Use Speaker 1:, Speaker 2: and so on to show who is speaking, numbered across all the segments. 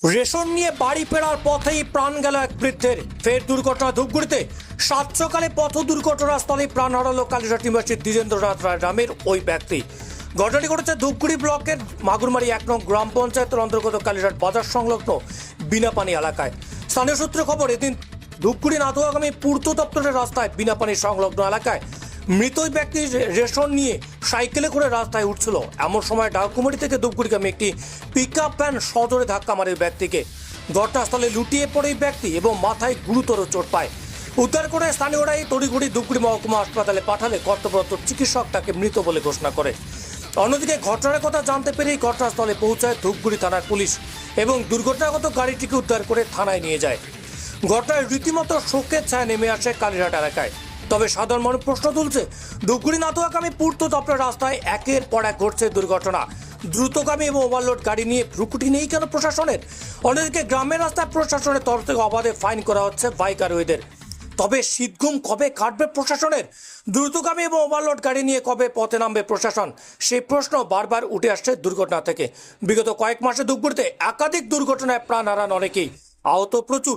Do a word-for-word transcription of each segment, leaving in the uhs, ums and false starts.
Speaker 1: Ration নিয়ে বাড়ি ফেরার পথেই প্রাণ গেল এক বৃদ্ধের। ফের দুর্ঘটনা ধূপগুড়িতে। সাত সকালে পথ দুর্ঘটনাস্থলে প্রাণ হারালো কালীঘাট নিবাসী দ্বিজেন্দ্রনাথ রায় নামের ওই ব্যক্তি। ঘটনাটি ঘটেছে ধূপগুড়ি ব্লকের মাগুরমারি এক নং গ্রাম পঞ্চায়েতের অন্তর্গত কালীঘাট বাজার সংলগ্ন বিনাপানি এলাকায়। স্থানীয় সূত্রে খবর, এদিন ধূপগুড়ি নাথুয়াগামী পূর্ত দপ্তরের রাস্তায় বিনাপানি সংলগ্ন এলাকায় মৃত ওই ব্যক্তি রেশন নিয়ে সাইকেলে করে রাস্তায় উঠছিল। এমন সময় ডাকুমারি থেকে ধূপগুড়িগামী একটি পিক আপ ভ্যান সজোরে ধাক্কা মারে ব্যক্তিকে। ঘটনাস্থলে লুটিয়ে পড়ে এই ব্যক্তি এবং মাথায় গুরুতর চোট পায়। উদ্ধার করে স্থানীয়রাই তড়িঘড়ি ধূপগুড়ি মহকুমা হাসপাতালে পাঠালে কর্তব্যরত চিকিৎসক তাকে মৃত বলে ঘোষণা করে। অন্যদিকে ঘটনার কথা জানতে পেরেই ঘটনাস্থলে পৌঁছায় ধূপগুড়ি থানার পুলিশ এবং দুর্ঘটনাগত গাড়িটিকে উদ্ধার করে থানায় নিয়ে যায়। ঘটনায় রীতিমতো শোকের ছায়া নেমে আসে কালীঘাট এলাকায়। তবে সাধারণ মানুষ প্রশ্ন তুলছে, ধূপগুড়ি নাথুয়াগামী পূর্ত দপ্তরের রাস্তায় একের পর এক ঘটছে দুর্ঘটনা। দ্রুতগামী এবং ওভারলোড গাড়ি নিয়ে ভ্রুকুটি নেই কেন প্রশাসনের? অন্যদিকে গ্রামের রাস্তায় প্রশাসনের তরফ থেকে অবাধে ফাইন করা হচ্ছে বাইক আরোহীদের। তবে শীতঘুম কবে কাটবে প্রশাসনের? দ্রুতগামী এবং ওভারলোড গাড়ি নিয়ে কবে পথে নামবে প্রশাসন? সেই প্রশ্ন বারবার উঠে আসছে দুর্ঘটনা থেকে। বিগত কয়েক মাসে ধূপগুড়িতে একাধিক দুর্ঘটনায় প্রাণ হারান অনেকেই, আহত প্রচুর।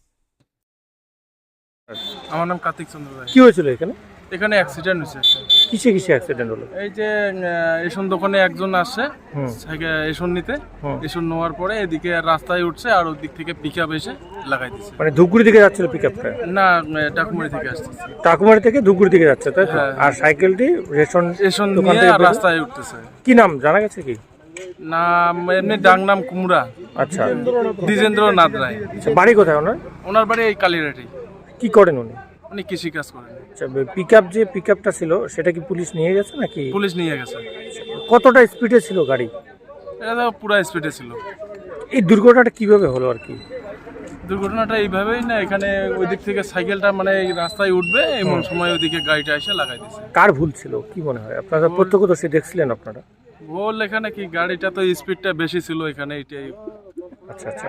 Speaker 2: আমার নাম কার্তিক চন্দ্র রায়।
Speaker 3: কি হয়েছিল এখানে?
Speaker 2: এখানে অ্যাক্সিডেন্ট হয়েছে।
Speaker 3: কিসে কিসে অ্যাক্সিডেন্ট হলো?
Speaker 2: এই যে রেশন দোকানে একজন আসছে সাইকেল রেশন নিতে, রেশন নেওয়ার পরে এদিকে রাস্তায় উঠছে আর ওই দিক থেকে পিক আপ এসে লাগাই দিচ্ছে।
Speaker 3: মানে ধূপগুড়ি থেকে যাচ্ছিল পিকআপটা?
Speaker 2: না, ডাকুমারি থেকে আসতেছে।
Speaker 3: টাকুমারি থেকে ধূপগুড়ি থেকে যাচ্ছে, তাই তো?
Speaker 2: হ্যাঁ।
Speaker 3: আর সাইকেলটি রেশন
Speaker 2: রেশন
Speaker 3: দোকান
Speaker 2: নিয়ে
Speaker 3: থেকে
Speaker 2: আর
Speaker 3: বেরো-
Speaker 2: রাস্তায় উঠতেছে।
Speaker 3: কি নাম জানা গেছে কি?
Speaker 2: নাম এমনি ডাং নাম কুমড়া,
Speaker 3: আচ্ছা,
Speaker 2: দ্বিজেন্দ্রনাথ রায়।
Speaker 3: আচ্ছা, বাড়ি কোথায় ওনার?
Speaker 2: ওনার বাড়ি এই কালীঘাটি।
Speaker 3: কি করেন উনি?
Speaker 2: উনি কৃষি কাজ করেন।
Speaker 3: আচ্ছা, পিকআপ যে পিকআপটা ছিল সেটা কি পুলিশ নিয়ে গেছে নাকি?
Speaker 2: পুলিশ নিয়ে গেছে।
Speaker 3: কতটা স্পিডে ছিল গাড়ি?
Speaker 2: এটা তো পুরা স্পিডে ছিল।
Speaker 3: এই দুর্ঘটনাটা কিভাবে হলো আর কি?
Speaker 2: দুর্ঘটনাটা এইভাবেই না, এখানে ওই দিক থেকে সাইকেলটা মানে এই রাস্তায় উঠবে এমন সময় ওইদিকে গাড়িটা এসে লাগাই দিচ্ছে।
Speaker 3: কার ভুল ছিল কি মনে হয়? আপনারা প্রত্যক্ষদর্শী দেখছিলেন আপনারা?
Speaker 2: ভুল এখানে কি, গাড়িটা তো স্পিডটা বেশি ছিল এখানে, এটাই।
Speaker 3: আচ্ছা আচ্ছা।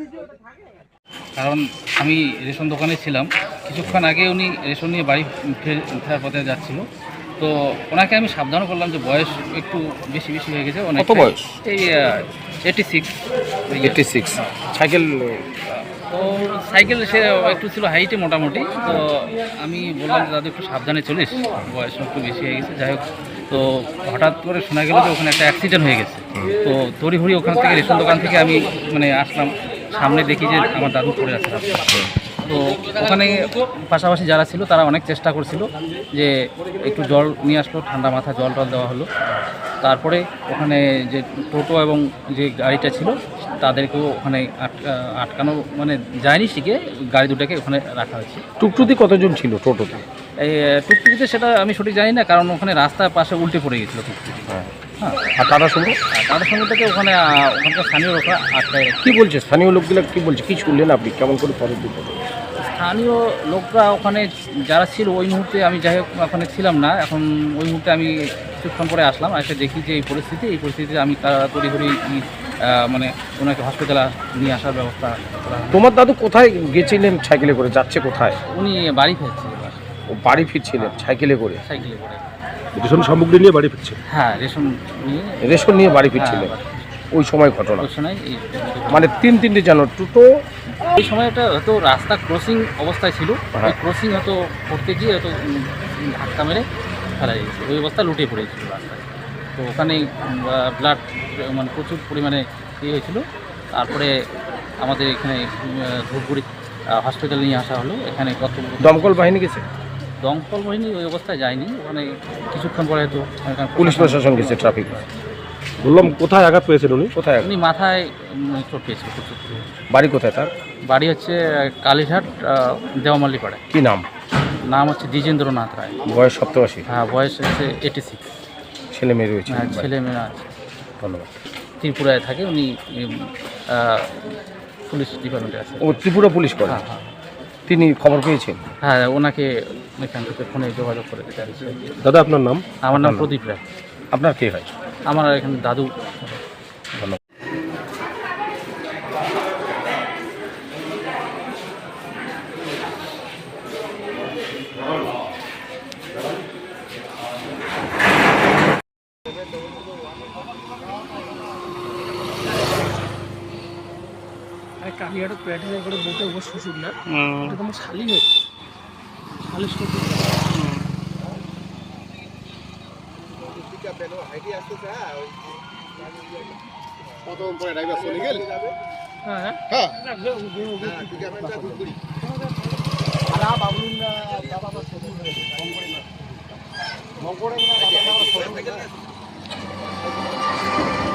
Speaker 4: কারণ আমি রেশন দোকানে ছিলাম, কিছুক্ষণ আগে উনি রেশন নিয়ে বাড়ি ফের- ফেরার পথে যাচ্ছিল। তো ওনাকে আমি সাবধান করলাম যে বয়স একটু বেশি বেশি হয়ে গেছে। অনেক
Speaker 3: কত বয়স?
Speaker 4: এই eighty six.
Speaker 3: Eighty six. Cycle
Speaker 4: তো সাইকেল সে একটু ছিল হাইটে মোটামুটি। তো আমি বললাম যে দাদু একটু সাবধানে চলিস, বয়স একটু বেশি হয়ে গেছে। যাই হোক, তো হঠাৎ করে শোনা গেল যে ওখানে একটা অ্যাক্সিডেন্ট হয়ে গেছে। তো তড়িঘড়ি ওখান থেকে রেশন দোকান থেকে আমি মানে আসলাম, সামনে দেখি যে আমার দাদু পড়ে আছে রাস্তায়। তো ওখানে পাশাপাশি যারা ছিল তারা অনেক চেষ্টা করছিল যে একটু জল নিয়ে আসলো, ঠান্ডা মাথা জল টল দেওয়া হলো। তারপরে ওখানে যে টোটো এবং যে গাড়িটা ছিল তাদেরকেও ওখানে আটকা আটকানো মানে যায়নি, শিখে গাড়ি দুটাকে ওখানে রাখা হয়েছে।
Speaker 3: টুকটুকি কতজন ছিল টোটোতে?
Speaker 4: এই টুকটুকিতে সেটা আমি সঠিক জানি না, কারণ ওখানে রাস্তার পাশে উল্টে পড়ে গেছিলো টুকটুকি।
Speaker 3: হ্যাঁ।
Speaker 4: হ্যাঁ,
Speaker 3: আর টাটা সুমো?
Speaker 4: আর তাদের সঙ্গে থেকে ওখানে আহ, ওখানকার স্থানীয় লোকরা আটকায় রাখে।
Speaker 3: কি বলছে স্থানীয় লোকগুলো? কি বলছে? কি শুনলেন আপনি? কেমন করে পরের দিকে?
Speaker 4: স্থানীয় লোকরা ওখানে যারা ছিল ওই মুহূর্তে, আমি যাই হোক ওখানে ছিলাম না, এখন ওই মুহূর্তে আমি কিছুক্ষণ পরে আসলাম, এসে দেখি যে এই পরিস্থিতি এই পরিস্থিতিতে আমি তারা তড়িঘড়ি মানে ওনাকে হসপিটালে নিয়ে আসার ব্যবস্থা করা হয়।
Speaker 3: তোমার দাদু কোথায় গেছিলেন সাইকেলে করে? যাচ্ছে কোথায়?
Speaker 4: উনি বাড়ি ফিরছে এবার
Speaker 3: ও বাড়ি ফিরছিলেন সাইকেলে করে?
Speaker 4: সাইকেলে করে।
Speaker 3: রেশন সামগ্রী নিয়ে বাড়ি ফিরছে?
Speaker 4: হ্যাঁ, রেশন নিয়ে
Speaker 3: রেশন নিয়ে বাড়ি ফিরছিলেন ওই সময় ঘটনা?
Speaker 4: ওই সময় এই
Speaker 3: মানে তিন তিনটে জানো টোটো?
Speaker 4: এই সময়টা হয়তো রাস্তা ক্রসিং অবস্থায় ছিল,
Speaker 3: হ্যাঁ।
Speaker 4: ওই ক্রসিং হয়তো করতে গিয়ে হয়তো উম, ধাক্কা মেরে ফেলা গেছে, ওই অবস্থায় লুটিয়ে পড়েছিল রাস্তায়। তো ওখানে ব্লাড মানে প্রচুর পরিমাণে ইয়ে হয়েছিল। তারপরে আমাদের এখানে উম, ধূপগুড়ি হসপিটালে নিয়ে আসা হলো। এখানে কত
Speaker 3: দমকল বাহিনী গেছে?
Speaker 4: দমকল বাহিনী ওই অবস্থায় যায়নি, ওখানে কিছুক্ষণ পরে হয়তো এখানে
Speaker 3: পুলিশ প্রশাসন গেছে, ট্রাফিক। বললাম কোথায় আঘাত পেয়েছেন উনি? কোথায়?
Speaker 4: উনি মাথায় উম, চোট পেয়েছিল প্রচুর।
Speaker 3: বাড়ি কোথায় তার?
Speaker 4: বাড়ি হচ্ছে কালীঘাট দেওয়ামালি পাড়ায়।
Speaker 3: কি নাম?
Speaker 4: নাম হচ্ছে দ্বিজেন্দ্রনাথ রায়।
Speaker 3: বয়স সপ্তআশি?
Speaker 4: হ্যাঁ, বয়স হচ্ছে এইটি সিক্স।
Speaker 3: ছেলে মেয়ে রয়েছে?
Speaker 4: হ্যাঁ, ছেলে মেয়ে আছে।
Speaker 3: ধন্যবাদ।
Speaker 4: ত্রিপুরায় থাকে উনি, উম, আহ, পুলিশ ডিপার্টমেন্টে আছে।
Speaker 3: ও ত্রিপুরা পুলিশ করে?
Speaker 4: হ্যাঁ হ্যাঁ
Speaker 3: তিনি খবর পেয়েছেন?
Speaker 4: হ্যাঁ, ওনাকে এখান থেকে ফোনে যোগাযোগ করে দিতে হয়েছে।
Speaker 3: দাদা আপনার নাম?
Speaker 4: আমার নাম প্রদীপ রায়।
Speaker 3: আপনার কে হয়?
Speaker 4: আমার এখানে দাদু।
Speaker 3: ধন্যবাদ।
Speaker 5: আর কালীঘাটের প্যাটের করে বউটা ওর শ্বশুর না, এটা তোমার শালি হয়েছে, শালি শ্বশুর।
Speaker 6: প্রথম পরে ড্রাইভার চলে গেল
Speaker 5: হ্যাঁ
Speaker 6: হ্যাঁ
Speaker 5: হ্যাঁ